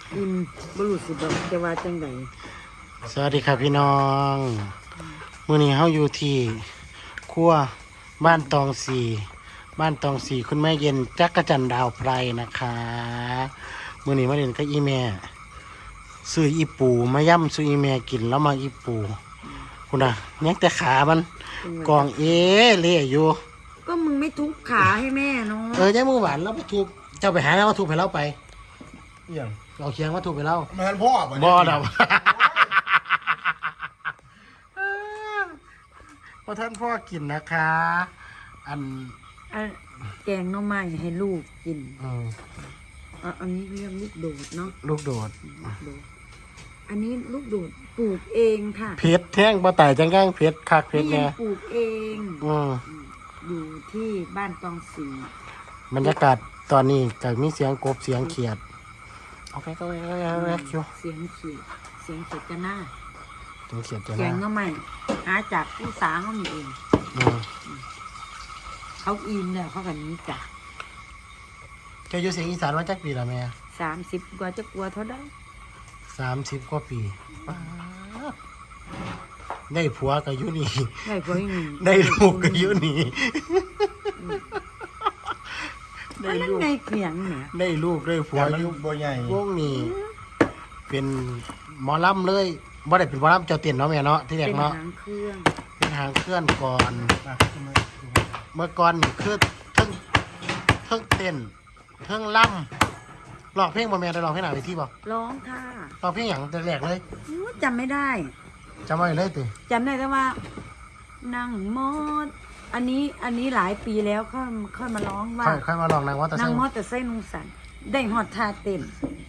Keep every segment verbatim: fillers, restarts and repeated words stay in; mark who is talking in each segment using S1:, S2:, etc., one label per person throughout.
S1: อิ่มบรุษแบบจะว่าจังได
S2: สวัสดีครับพี่น้องมื้อนี้เฮาอยู่ที่ครัวบ้านตองสีบ้านตองสีคุณแม่เย็นจักรจันทร์ดาวไพรนะคะมื้อนี้มาเล่นกับอีแม่ซื้ออีปูมาย่ำซื้ออีแม่กินแล้วมาอีปูคุณน่ะยังแต่ขามันกองเอเละอยู่
S1: ก็มึงไม่ทุบขาให้แม่เนาะ
S2: เออยังมือหวานแล้วมาทุบเจ้าไปหาแล้วมาทุบให้เราไป
S3: เอี่ยง
S2: เราเคียงมาทุบให้เรา
S3: แม่นพ่อบ่
S2: บ่ดอกพอท่านพ่อกินนะคะ อัน
S1: อ่ะแกงหน่อไม้ให้ลูกกิน
S2: อืม
S1: อ่ะอันนี้เรียกลูกโดดเนาะ
S2: ลูกโดด
S1: ลูกโดดอันนี้ลูกโดดปลูกเองค่ะ
S2: เพชรแท่งปลาไต่จังก้างเพชรคักเพชร
S1: ยั
S2: เนี่ย
S1: ปลูกเอง
S2: อืม
S1: อยู่ที่บ้านตองสี
S2: บรรยากาศตอนนี้ก็มีเสียงกบเสียงเขียดเอาไปก็ไปก็ไปก็ไปคิว
S1: เสียงเขียดเสียงเขียดจะหน้า
S2: เสียงเขียดจะ
S1: แก
S2: น่าง
S1: หน่อไม้หาจากผู้สาวเขามีเอง
S2: อืม
S1: เขาอินเนี่ยเขากันนี้จ้ะ
S2: เจ้าอยู่เสียงอีสานมาจากปีละแม่
S1: สามสิบกว่าจะกลัวเท่าได้
S2: สามสิบกว่าปีป๊าดได้ผัวก็อยู่นี่
S1: ได้พวกนี้
S2: ได้ลูกก็อยู่นี่
S1: อันนั้นในเขียงเนี่ย
S2: ได้ลูกได้ผัว
S3: แต่มัน
S2: อยู่
S3: บ่ใหญ่
S2: วงนี้เป็นหมอลำเลยบ่ได้เป็นหมอลำเจ้าเตียนเนาะแม่เนาะที่แรก
S1: เป็น
S2: เนาะ
S1: หางเครื่อง
S2: เป็นทางเคลื่อนก่อน
S3: อ่ะทำไม
S2: เมื่อก่อนนี่คือเทั้งเทั้งเต้นเทั้งล่ำร้องเพลงบ่แม่ได้ร้องเพลงหน้าเวทีบ่
S1: ร้องค่ะ
S2: ร้องเพลงหยังแต่แรกเลย
S1: อู้จำไม่ได้
S2: จำไว้เลยติ
S1: จำได้แต่ว่า นั่งมอดอันนี้อันนี้หลายปีแล้วค่อยค่อยมาร้องว่า
S2: ค่อยค่อยมาลองนางว่าแต่
S1: นั่
S2: ใส่
S1: งมอดแต่ไส้นุงสันได้หอดท่าเต้น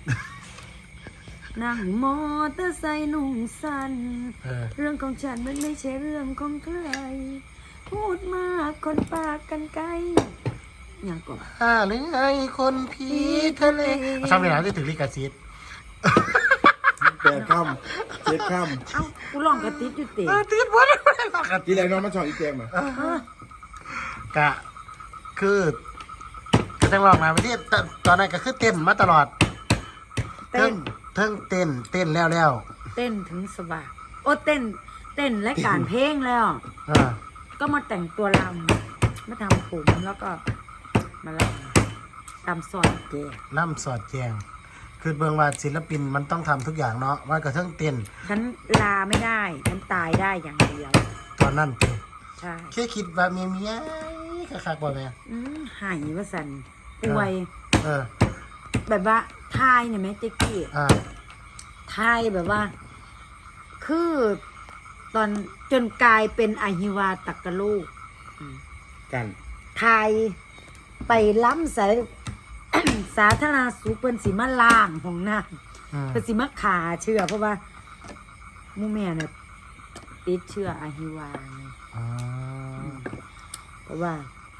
S1: นั่งมอเตอร์ไซค์นุ่งสัน
S2: เออ
S1: เรื่องของฉันมันไม่ใช่เรื่องของใคร พูดมากคนปากกันไกลอย่างก่อน
S2: อ่าหรือไงคนผีทะเลทำในหนังที่ถึงลิขสิทธิ์
S3: แปดค่ำเจ็ดค่
S1: เอ้ากูลองกระติดอยู่เตะ
S2: เออติดบ่ได้บ่ได้หรอก
S3: ำทีแรกน้องมาชอบอีเตียงมา
S2: กะคือก็จังลองมาไปที่ตตอนนั้นก็คือเต้นมาตลอด
S1: เต้น
S2: เทิงเต้นเต้นแล้วแล้ว
S1: เต้นถึงสว่างโอ้เต้น เต้นและการเพลงแล้ว
S2: อ่า
S1: ก็มาแต่งตัวลำมาทำผมแล้วก็มาลำตามซอยแก
S2: ล่ำสอดแจงคือเบิ่งว่าศิลปินมันต้องทำทุกอย่างเนาะว่ากระเทิงเต้น
S1: ฉันลาไม่ได้ ฉันตายได้อย่างเดียว
S2: ตอนนั้นเต้
S1: ใช่
S2: แค่คิดว่าเมียเมียคักๆบ่แม่
S1: อืมหายว่าสันป่วย
S2: เออ
S1: แบบว่าทายเนี่ยไหมเจ๊กี้
S2: อ่า
S1: ทายแบบว่า คือตอนจนกลายเป็นอหิวาตักกะลูก
S3: กัน
S1: ทายไปล้ำสาย สาธารณสุขเปิ้นสิมาล่างของน้ำ
S2: อืม
S1: เพิ่นสิมาขาเชื้อเพราะว่าหมู่แม่เนี่ยติดเชื้ออหิวาไง
S2: อ่า
S1: เพราะว่า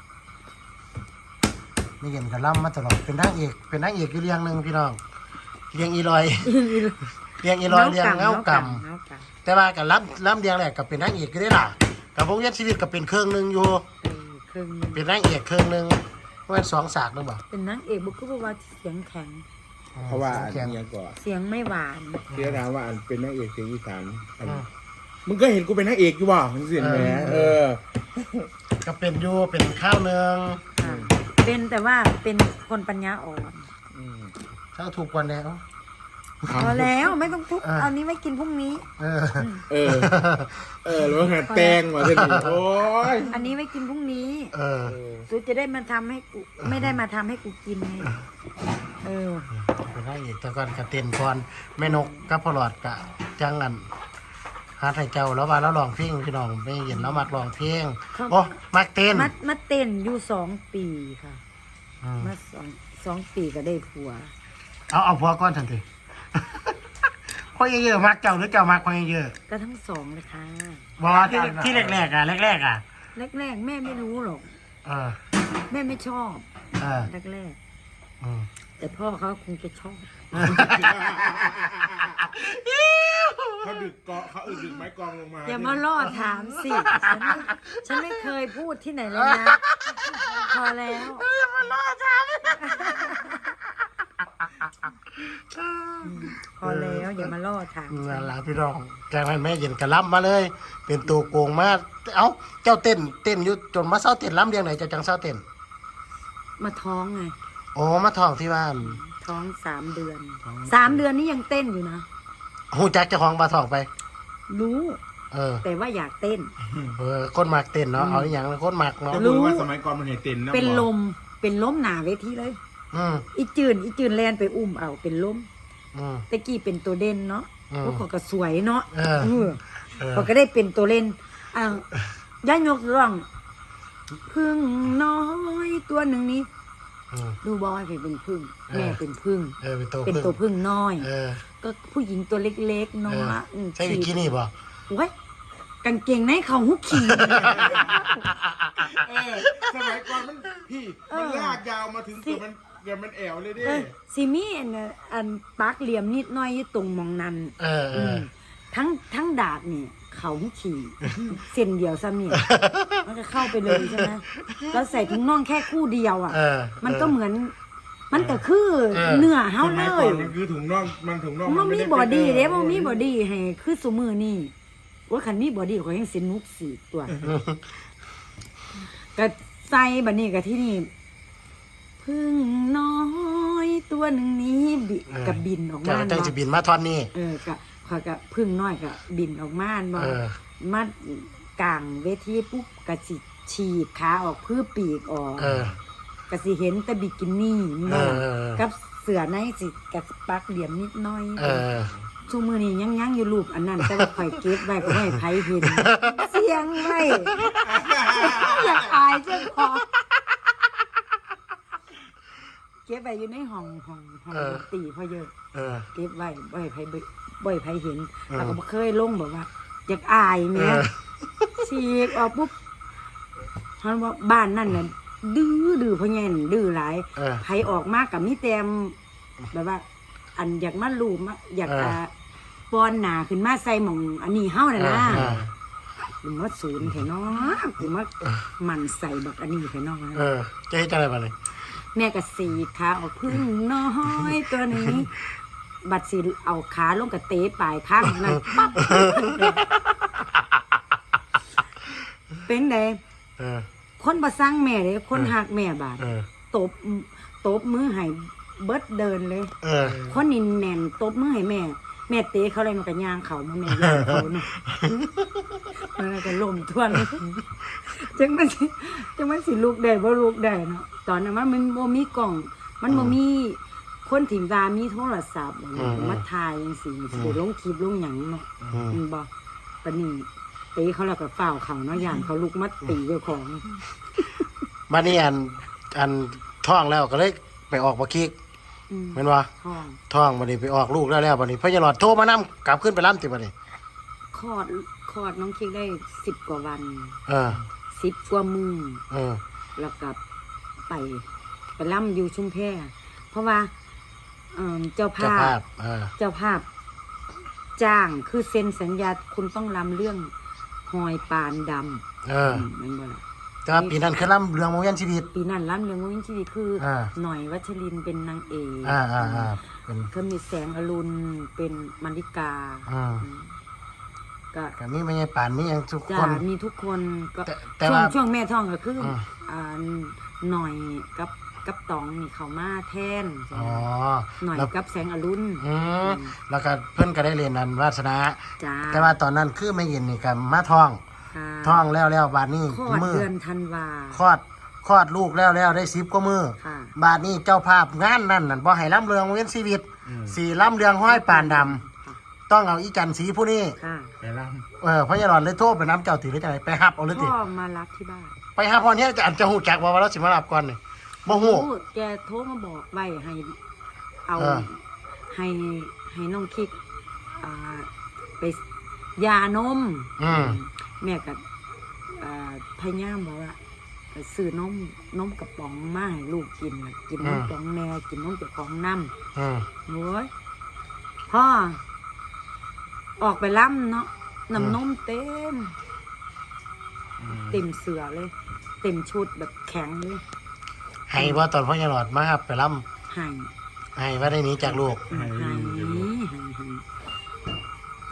S2: ไม่เห็นกับล่ำมาตลอดเป็นนางเอกเป็นนางเอกอยู่เรื่องหนึงพี่น้องเรียงอีลอย เรียงอีลอยเรียงเงาก
S1: เงาก
S2: ำแต่ว่ากับล่ำล่ำเรียงแหละกับเป็นนางเอกก็ได้ล่ะกับวงเวียนชีวิตกับเป็นเครื่องหนึงอยู่
S1: เออครึ่งหนึ่ง
S2: เป็นนางเอกเครื่องหนึงว่าสองฉากหรือเปล่า
S1: เป็นนางเอกบุกคือบอกว่าเสียงแข็ง
S3: เพราะว่าอัน
S2: แข็ง
S3: เนี้ยก่อน
S1: เสียงไม่หวาน
S3: พี่ถามว่าอันเป็นนางเอกเสียงอีสานอันมึงก็เห็นกูเป็นนางเอกอยู่บ่มึงเสียงแหมเออ
S2: ก็เป็นอยู่เป็นข้าวเนือง
S1: ค่ะเป็นแต่ว่าเป็นคนปัญญาอ่อน
S3: อืม
S2: ถ้าถูกกว่าแล้ว
S1: พอแล้วไม่ต้องทุบ
S2: อ่ะ
S1: เอานี้ไว้กินพรุ่งนี้
S2: เออ
S3: เออ เออแล้วหัดแตงมาเส้นนี้โอ้ย
S1: อันนี้ไว้กินพรุ่งนี้
S2: เออ
S1: กูจะได้มาทำให้กูไม่ได้มาทำให้กูกินไงเออ
S2: เป็นนางเอกแต่ก่อนกะเต้นก่อนแม่นกกับพ่อหลอดกะจังอันหาไทยเจ้าแล้วว่าแล้วร้องเพลงพี่น้องไม่เห็นแล้วมักร้องเพลง
S1: ครับ
S2: โอ้มักเต้น
S1: มามาเต้นอยู่สองปีค่ะ
S2: อืม
S1: มาสองสองปีก็ได้ผัว
S2: เอาเอาผัวก่อนทันที พ่อเยอะๆมักเจ้าหรือเจ้ามักพ่อเยอะ
S1: ก็ทั้งสองเลยค่ะ
S2: ๆบอกว่าที่ที่แรกๆอ่ะแรกๆอ่ะ
S1: แรกๆแม่ไม่รู้หรอก
S2: เออ
S1: แม่ไม่ชอบ
S2: เออ
S1: แรก
S2: อืม
S1: ๆแต่พ่อเขาคงจะชอบ
S3: เขาดึกเกาะเขาอึดึกไม้กองลงมา
S1: อย่ามาล่อถามสิฉันไม่ฉันไม่เคยพูดที่ไหนเลยนะ พอแล้ว
S2: อย่ามาล่อถาม
S1: พอแล้วอย่ามาล่อถาม
S2: นั่นล่ะพี่น้องจากนั้นแม่เย็นกระล้ำมาเลย เป็นตัวโกงมาเอ้าเจ้าเต้นเต้นอยู่จนมาเศร้าเต้นล้ำเรียงไหนเจ้าจังเศร้าเต้น
S1: มาท้องไง
S2: โอ้มาท้องที่บ้าน
S1: ท้องสามเดือนสามเดือนนี้ยังเต้นอยู่นะ
S2: หูจักเจ้าของมาท้องไป
S1: รู้
S2: เออ
S1: แต่ว่าอยากเต้น
S2: เออคนมักเต้นเนาะเอาอหย่างละคนมักเนาะ
S3: จะ
S1: รู้
S3: รู้ว่าสมัยก่อนมันเห็นเต็นนะ
S1: เป็น
S3: บอก
S1: ลมเป็นล้มหนาเวทีเลย
S2: อืม
S1: อีจืนอีจืนแลนไปอุ้มเอาเป็นล้ม
S2: อืม
S1: ตะกี้เป็นตัวเด่นเนาะ
S2: อืม
S1: พวกเขาก็สวยเนาะ
S2: เออ
S1: เออ
S2: เออ
S1: เขาก็ได้เป็นตัวเล่นอ้าวย่ายกร้องพึ่งน้อยตัวหนึ่งนี้
S2: อืม
S1: ดูบอยเป็นพึ่ง
S2: เออ
S1: แม่เป็นพึ่ง
S2: เออเป็นตัว
S1: เป็น
S2: พึ่ง
S1: ตัวพึ่งน้อย
S2: เออ
S1: ก็ผู้หญิงตัวเล็กๆน้อ
S2: เอย อ
S1: อืม
S2: ใช่บิกินี่ป่ะ
S1: โอ้ยกางเกงในเขาหุกขี่
S3: เออสมัยก่อนมันพี่มันลากยาวมาถึงเกือบมันเกือบมันแอวเลยดิ
S1: เออซิมีอันน่ะอันปากเหลี่ยมนิดหน้อยอยู่ตรงมองนั้น
S2: เออเออ
S1: มทั้งทั้งดาบนี่เขาหุกขี่ เส้นเดียวซ้ำนี่มันก็เข้าไปเลยใช่ไหมแล้วใส่ถุงน่องแค่คู่เดียวอ่ะ
S2: เออ
S1: มันก็เหมือน มันก็คือ
S2: เออ
S1: เนื้อเฮา
S3: ส
S1: เล
S3: มัยก่อย นมันคือถุงน่องมันถุงน่อง
S1: มัน
S3: ไ
S1: มีบอดี้เด้มันมีบอดี้ให้คือสมือนี่ว่าคันมีบอดี้เขายังสินุกสีตัวก็ใส่บัดนี้ก็ที่นี่พึ่งน้อยตัวหนึ่งนี้บิ
S2: เออ
S1: กับบินออก
S2: จั
S1: มาง
S2: จัง
S1: บ่
S2: สิบินมาทอนนี่
S1: เออก็ขอยก็พึ่งน้อยก็บินออกมาบ่
S2: เออ
S1: มากลางเวทีปุ๊บก็สิฉีกขาออกเพื่อปีกออก
S2: เออ
S1: ก็สิเห็นแต่บิกินี่
S2: เอ
S1: บ่
S2: อเออ
S1: กับเสือในสิกับปักเหลี่ยมนิดหน้อย
S2: เออ
S1: ชูมือนี่ยังยังอยู่รูปอันนั้น แต่ว่าข่อยเก็บไว้ก็ไม่ให้ไผเห็น เสียงไว้ อยากอายเจ้าของเก็บไว้อยู่ในห้องห้องห้อง
S2: เออ
S1: ดนตรีพอเยอะ
S2: เออ
S1: เก็บไว้บ่ให้ไผเบิ่งบ่ให้ไผเห็น
S2: เออ
S1: แล้วก็บ่เคยลงแบบว่า อยากอายแหม่
S2: เออ
S1: ฉีกออกปุ๊บเฮาว่าบ้านนั่นน่ะดื้อดื้อพ่อแง่นดื้อหลาย
S2: เออ
S1: ไผออกมากับมีแต้มแบบว่า อันอยากมาลูบมาอยาก
S2: เอออ่
S1: อ่าป้อนหนาขึ้นมาใส่หม่อง อันนี้เฮาน่ะนะ
S2: เออ
S1: กูมาศูนย์แท้เนาะกูมาหมันใส่บักอันนี้แท้เนาะ
S2: เออจะให้จังไรบ้างเลย
S1: แม่ก็สีขาออกพึ่งน้อยตัวนี้ บัดสิเอาขาลงกับเตะปลายข้างนั่นปั๊บเป็นได
S2: เออ
S1: คนบ่สร้างแม่เลยคนหักแม่บาด
S2: เออ
S1: ตบตบมือให้เบิดเดินเลย
S2: เออ
S1: คนนินแน่นตบมือให้แม่ แม่เตะเขาเลยมันก็ย่างเขามาแม่ย่างเขาเนาะ มันก็ล่มทวนจังมันสิจังมันสิลูกได้บ่ลูกได้เนาะตอนนั้นมันมันบ่มีกล่อง มันบ่มีคนถิ่มตามีโทรศัพท์อย่างเงี้ย
S2: อืม
S1: มาถ่ายจังซี่สิได้ลงคลิปลงหยังเนาะ
S2: อืม
S1: มันบ่ปานนี้เตะเขาแล้วก็ฝ้าวเขาเนาะย่านเขาลุกมาตีเจ้าของ
S2: บ้านนี้อันอันท้องแล้วก็เลยไปออกบักคิก
S1: อืม
S2: แม่นว่า
S1: ท้อง
S2: ท้องบัดนี้ไปออกลูกแล้วแล้วบัดนี้พ่อใหญ่หลอดโทรมานํกลับขึ้นไปล้ำติบัดนี้
S1: คลอดคลอดน้องคิกได้สิบกว่าวัน
S2: เออ
S1: สิบกว่ามื้อ
S2: เออ
S1: แล้วก็ไปไปล่ำอยู่ชุมแพเพราะว่าเอิ่มเจ้า
S2: เจ้า
S1: ภา
S2: ภา
S1: พ
S2: พเออ
S1: เจ้าภาพ จ้างคือเซ็นสัญญาคุณต้องรำเรื่องหอยปานดำ
S2: เออ
S1: มแมันบ่ล่ะ
S2: แต่ว่าปีนั้นคือล้ำเรื่องโมยันชีวิต
S1: ปีนั้นรำเรื่องวินชีวิตคืออา หน่อยวัชรินทร์เป็นนางเอก
S2: อ่าอ่าอ่าเป็น
S1: ก็มีแสงอรุณเป็นมาริกา
S2: อ่า
S1: อืมก็
S2: ก็มีไม่ใช่ป่านมีอย่างทุก
S1: จ้า
S2: คน
S1: มีทุกคนก็
S2: แต่แต่
S1: ช่วง
S2: ว่า
S1: ช่วงแม่ท้องก็คืออ
S2: ม
S1: อ่าหน่อยกับกับตองนี่เขามาแทน
S2: อ๋อ
S1: หน่อย
S2: แล้ว
S1: กับแสงอรุณ
S2: อืมแล้วก็เพิ่นก็ได้เรียนนันวาสนา
S1: จ้า
S2: แต่ว่าตอนนั้นคือไม่เย็นนี่กับมาท้อง
S1: ค่ะ
S2: ท้องแล้วแล้วบาดนี้
S1: คลอด
S2: มือ
S1: เดือนธันวา
S2: คลอดคลอดลูกแล้วแล้วได้สิบกว่ามือ
S1: ค่ะ
S2: บาดนี้เจ้าภาพงานนั่นนั่นบ่ให้ล้ำเรืองเว้นชีวิตสี่ล้ำเรืองห้อยปานดำต้องเอาอีจันทร์สีผู้นี้
S1: ค่ะ
S3: ไปล่
S2: เออพระยาหลอนเลยโทษไปน้ำเจ้าถือได้จังไดไปฮับเอาเลยติ
S1: พ่อมารับที่บ้าน
S2: ไปฮับพอเนี้ยจะอันจะหูจักว่าว่าเราสิมารับก่อนนี่บ่ฮู้
S1: โอ้แกโทรมาบอกไว้ให้เอา
S2: เออ
S1: ให้ให้น้องคิกอ่าไปยานม
S2: อืม
S1: แม่ก็อ่าพยายามบอกว่าไปซื้อนมนมกระป๋องมาให้ลูกกินน่ะกินนมของแม่กินนมเจ้าของน้ำ
S2: อืม
S1: โอ้ยพ่อออกไปล่ำเนาะน้ำนมเต็ม เต็มเสือเลย เต็มชุดแบบแข็งเลย
S2: ให้ว่าตอนพระยาหลอดมาฮับไปล้
S1: ใหาย
S2: ำให้ว่าได้หนี้จากลูก
S1: หาย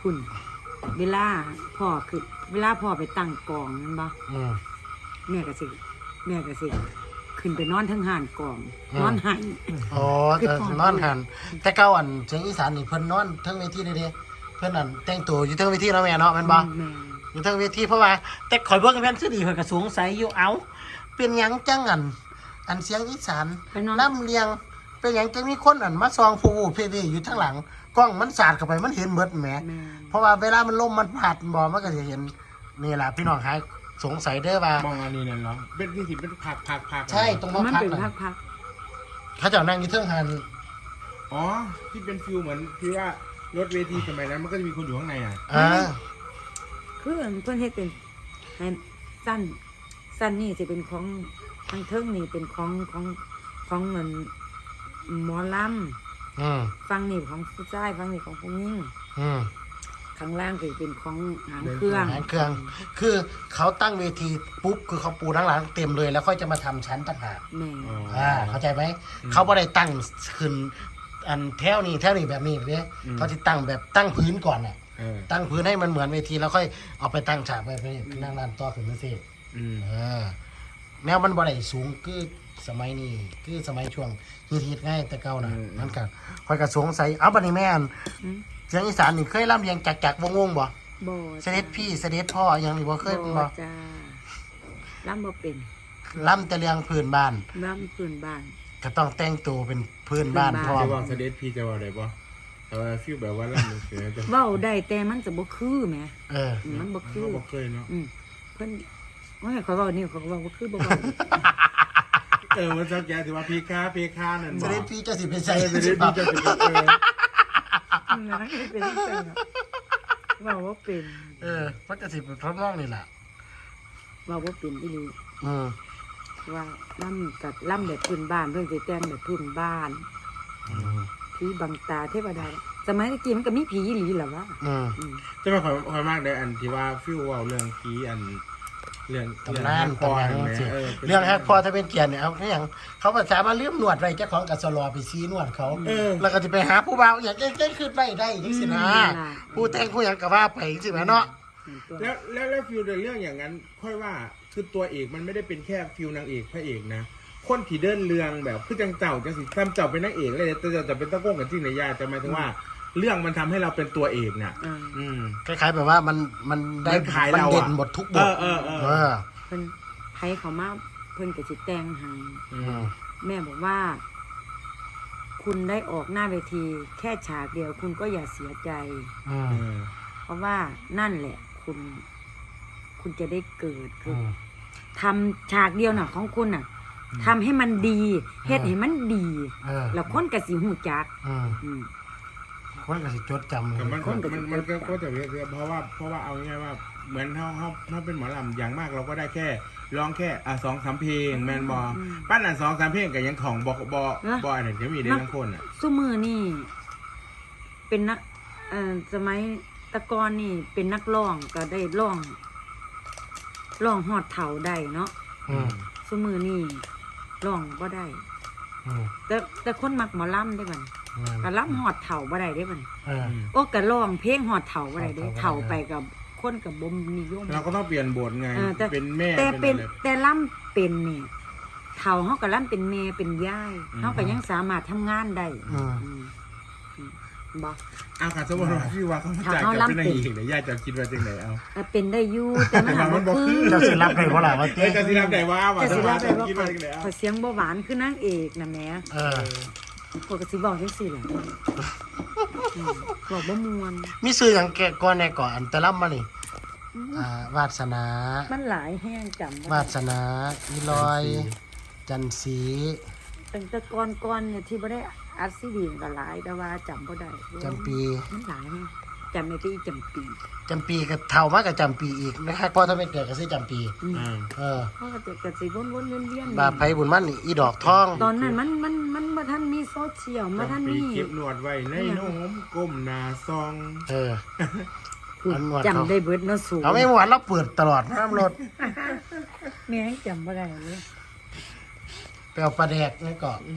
S1: พุ่นเวลาพ่อคือเวลาพ่อไปตั้งกองนั่นบ่
S2: อืม
S1: แม่ก็สิแม่ก็สิขึ้นไปนอนทั้งห่านกอง
S2: อืม
S1: นอนไห้
S2: อ๋อ
S1: คือ
S2: แต่
S1: พ่อ
S2: นอนหันแต่เก่าอันเสียงอีสานนี่เพิ่นนอนเทั้งเวทีเลยเด้เพิ่นอันแต่งตัวอยู่เทั้งเวทีเนาะแม่เนาะแม่นบ่
S1: แม่
S2: อยู่เทั้งเวทีเพราะว่าแต่ข่อยเบิ่งแม่นคือดีข่อยก็สงสัยอยู่เอ้าเป็นหยังจังอัน อันเสียงอีสาน
S1: ไปนอน
S2: ล่ำเลียง เป็นหยังจังมีคนอันมาซองผู้ผู้เพดีอยู่ทางหลังกล้องมันสาดเข้าไปมันเห็นหมดแหม
S1: แม่
S2: เพราะว่าเวลามันลมมันพัดบ่มันก็จะเห็นนี่ล่ะพี่น้องหายสงสัยเด้อว่า
S3: มองอันนี้นั่นเหรอเป็นที่สิเป็นผักผักผัก
S2: ใช่ตรงมา
S1: มัน
S2: พัก
S1: เป็น
S2: น่ะ
S1: พัก
S2: เขาเจะนั่งอยู่เทิงหัน
S3: อ๋อที่เป็นฟิลเหมือนที่ว่ารถเวทีสมัยนั้นมันก็จะมีคนอยู่ข้างในอ่ะ
S2: อ่า
S1: ๆคือเพิ่นเฮ็ดเป็นให้สั้นสั้นนี่สิเป็นของทางเทิงนี่เป็นของของของเงินหมอล
S2: อืม
S1: ำฟังนี่ของผู้ชายฟังนี่ของผู้หญิง
S2: อืม
S1: ข้างล่างก็เป็นของหางเครื่อง
S2: หางเครื่อง คือเขาตั้งเวทีปุ๊บคือเขาปูทั้งหลังเต็มเลย แล้วค่อยจะมาทำชั้นต่างหาก
S1: แม่
S3: อ๋อ
S2: อ่าเข้าใจไหมเขาไม่ได้ตั้งขึ้นอันแถวนี้แถวนี้แบบนี้เลยเขาจะตั้งแบบตั้งพื้นก่อนน่ะ
S3: เออ
S2: ตั้งพื้นให้มันเหมือนเวทีแล้วค่อยเอาไปตั้งฉากไปไปนั่งร้านต่อขึ้นมาสิ
S3: อืม
S2: เออแนวมันบ่ได้สูงคือสมัยนี้คือสมัยช่วงฮิตๆง่ายแต่เก่านะนั่นกันคอยกระสงสัยเอาบัดนี้แม่น
S1: อืม
S2: เสียงอีสานนี่เคยร่ำเรียงจักจักวงวงๆบ่
S1: บ่
S2: เสด็จพี่เสด็จพ่ออย่างนี้บ่เคยเป็นบ่
S1: จ้าล่ำบ่เป็น
S2: ร่ำแต่เรื่องพื้นบ้าน
S1: ล่ำพื้นบ้าน
S2: ก็ต้องแต่งตัวเป็นพื้นบ้าน
S1: พื้นบ้าน
S2: พร้อม
S3: จะว่าเสด็จพี่จะว่าอะไรปะแต่ว่าฟิลแบบว่าล่ำเสือจะ
S1: เว้าได้แต่มันจะบ่คือแหม
S2: เออ
S1: อืมมันบ่คือ
S3: เขาบอกเคยเนาะ
S1: อืมเพิ่นโอ้ยเขาเว้านี่เขาก็เว้าบ่คือบ่เว้า
S3: เออมันสักแกถือว่าพีคาพีคานั่น
S2: เส
S3: บอก
S2: ด็จพี่เจะสิเป็น
S3: เอ
S2: ใส่
S3: อเสด็จพี่จะเป็นเออ
S1: อืมนั่นก็เป็นจังซั่นน่ะเว้าบ่เป็น
S2: เออมันก็สิเป็นทดลองนี่แหละ
S1: เว้าบ่เป็นอีหลี
S2: อืม
S1: ว่าล่ำกับล่ำแบบพื้นบ้านเพิ่นสิแต่งแบบพื้นบ้าน
S2: อืม
S1: ผีบังตาเทวดาสมัยตะกี้มันก็มีผีอีหลีแหละวะ
S2: อืม
S1: อืม
S3: จะมาคอยคอยมากเลยอันที่ว่าฟิลว่าเรื่องผีอันเรื่อง
S2: ตำนาน
S3: คอ
S2: ตำนาน
S3: เห็นไหม
S2: สิ
S3: เออ
S2: เรื่องฮักพอถ้าเป็นเกียรติเนี่ยเอาคืออย่างเขาภาษามาเลื่อมหนวดไว้เจ้าของกับสลอไปซีหนวดเขา
S3: เออ
S2: แล้วก็จะไปหาผู้บ่าวอย่างเก่งๆขึ้นไปได้จังสินะผู้แต่งผู้หยังก็ว่าไปจังสิแหมเนาะ
S3: แล้วแล้วแล้วฟิลในเรื่องอย่างนั้น ค่อยว่าคือตัวเอกมันไม่ได้เป็นแค่ฟิลนางเอกพระเอกนะคนที่เดินเรื่องแบบคือจังเจ้าจังสิทำเจ้าเป็นนางเอกเลยแต่เจ้าจะเป็นตะโก้งกันที่ไหนยาจะหมายถึงว่า เรื่องมันทำให้เราเป็นตัวเอกน่ะ
S1: อ่า
S3: อืม
S2: คล้ายๆแบบว่ามันมันได้
S3: มันขาย
S2: มัน
S3: เราอะ
S2: เด่นหมดทุกบท
S3: เออเออเออ
S2: เออ
S1: เพิ่นไผเขามาเพิ่นก็สิแต่งให้
S3: อื
S2: อื
S3: ม
S2: ม
S1: แม่บอกว่า คุณได้ออกหน้าเวที แค่ฉากเดียว คุณก็อย่าเสียใจ
S2: อืม
S3: เออ
S1: เพราะว่านั่นแหละ คุณ คุณจะได้เกิดคื
S2: อื
S1: อ
S2: ม
S1: ทำฉากเดียวน่ะ ของคุณน่ะทำให้มันดีเฮ็ดให้มันดี
S2: เออ
S1: แล้วคนก็สิหูจัก
S2: อืม
S1: อืม
S2: คนก็สิจดจำเล
S3: แต่
S2: ย
S3: มัน
S1: คนก็
S3: มันมันก็ก็จะเยอะเพราะว่าเพราะว่าเอาง่ายๆว่าเหมือนเขาเขาเขาเป็นหมอลำอย่างมากเราก็ได้แค่ร้องแค่อ่ะสองสามเพลงแมนบอปั้นอ่ะสองสามเพลงกับยังของบอกบอบออันนั้นก็มีได้ทั้งคนอ่ะ
S1: ซุมือนี่ เป็นนักเอ่อสมัยแตะกอนนี่ เป็นนักร้องก็ได้ร้องร้องฮอดเฒ่าได้เนาะ
S2: อืม
S1: ซุมือนี่ร้องบ่ได้
S2: อืม
S1: แต่แต่คนมักหมอลำได้บัด
S2: อืม
S1: ก็ลำฮอดเฒ่าบ่ได้ได้บัด
S2: เออ
S1: โอ้ก็ร้องเพลงฮอดเฒ่าบ่ได้เด้
S2: ฮอดเฒ่า
S1: เฒ่า
S2: บ่ได้
S1: ไปกับคนกับบ่นิยม
S3: เราก็ต้องเปลี่ยนบทไง
S1: เออแต่
S3: เป็นแม่
S1: แต่เป็น
S3: อะไร
S1: แต่ลำเป็นนี่เฒ่าเฮาก็ลำเป็นแม่เป็นยายเฮาก็ยังสามารถทำงานได้
S2: อืม
S1: อืมอืมบ่
S3: เอาค่ะสมมติว่าพี่ว่าเขามาจ่าย
S1: ถ้าเขา
S3: จะเป็นนาง
S1: ลำเป็น
S3: เอกเนี่ยญาติจะคิดว่าจังไหนเอา
S1: เอ่อเป็นได้อยู่แต่มันหา
S3: มั
S1: บ่
S3: นบ่
S1: คือ
S3: คือ
S2: เจ้าสิรับได้บ่ล่ะว่า
S3: เอ้
S2: เต้
S3: ยจะสิรับได้ว่าว่า
S1: แต่
S3: ส
S1: สิ
S3: มา
S1: ว่า
S3: จะ
S1: ได้ว่า
S3: คิด
S1: ขอ
S3: ว่าจังไหนเอา
S1: ขอเสียงบ่หวานคือนางเอกนะแหม่
S2: เออ
S1: ข้อยก็สิบอกจังซี่ล่ะอืมบอกบ่ม่วน
S2: มีซื้อหยังแกะก่อนแน่ก่อนอันแต่ลำมานี่อ่าวาสนา
S1: มันหลายแห้งจำบ่
S2: วา
S1: ได้
S2: สนาอีลอย จันสี
S1: ตั้งแต่ก่อนๆเนี่ยที่บ่ได้อัดซีดีก็หลายแต่ว่าจำบ่ได้
S2: จำปี
S1: มันหลายแฮงจำไม่ได้จำปี
S2: จำปีก็เท่ามากกับจำปีอีกนะครับเพราะถ้าไม่เกิดก็ซื้อจำปี
S1: อืม
S3: อืม
S2: เออ
S1: เขาก็จะกระสิวนๆเวียนๆ
S2: บาปไผบุญมันนี่อีดอกทอง
S1: ตอนนั้นมันมันมันบ่ทันมีโซเชียลบ่ทัน
S3: ปี
S1: มี
S3: เก็บหนวดไว้ในโน้มก้มหน้าซอง
S2: เออ
S1: พูด
S2: อันหนวดเขา
S1: จำได้เบิดเนาะสูง
S2: เอาไม่หวานเราเปิดตลอดน้ำรถ
S1: แม่ยังจำบ่ได้เลย
S2: ไปเอาปลาแดกนี่ก่อน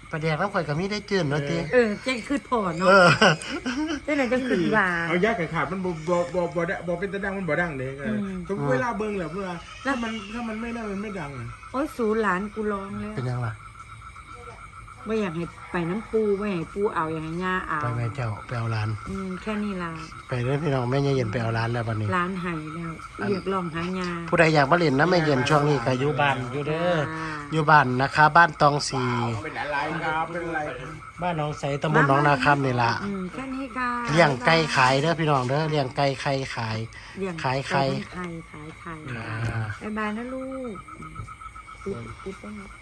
S2: ประเดี๋ยวน้ำข่อยกับมีได้จืดเนาะตี
S1: เออเจ๊คือพอเนาะ
S2: เออ
S1: เจ๊ไหนจะขึ้นว่า
S3: เอายากกับขาดมันบ่บ่บ่บ่ได้บ่เป็นตะดังมันบ่ดังเด้เออ
S1: ม
S3: ทุกเวลาเบิ่งแหละเวลาถ้ามันถ้ามันไม่ได้มันไม่ดังอะ
S1: โอ้ยสูหลานกูร้องแล้ว
S2: เป็นยังล่ะ
S1: ไม่อยากให้ไปน้ำปูไม่อยากให้ปูเอาอยากให้ย่าเอา
S2: ไปแม่เจ้าไปเอาร้าน
S1: อืมแค่นี้ล่ะ
S2: ไปเด้อพี่น้องแม่เย็นไปเอาร้านแล้ววันนี้
S1: ร้านไห้แล้วเรียกร้องหายา
S2: ผู้ใดอยากมาเล่นนะแม่เย็นช่วงนี้ก็อยู่บ้านอยู่เด้อ
S1: อ่า
S2: อยู่บ้านนะคะ บ้านตองสี
S3: เป็นอะไรครับเป็นอะไร
S2: บ้านหน้องใสตำบลหน้องนาคำนี่ล่ะ
S1: อืมแค่นี้ค่ะ
S2: เลี้ยงไก่ขายเด้อพี่น้องเด้อเลี้ยงไก่ไข่ขาย
S1: เลี้ยง
S2: ขายไข่
S1: ไข่ขายไข่
S2: อ่า
S1: บายบายนะลูกอืมปุ๊บปุ๊บต้อง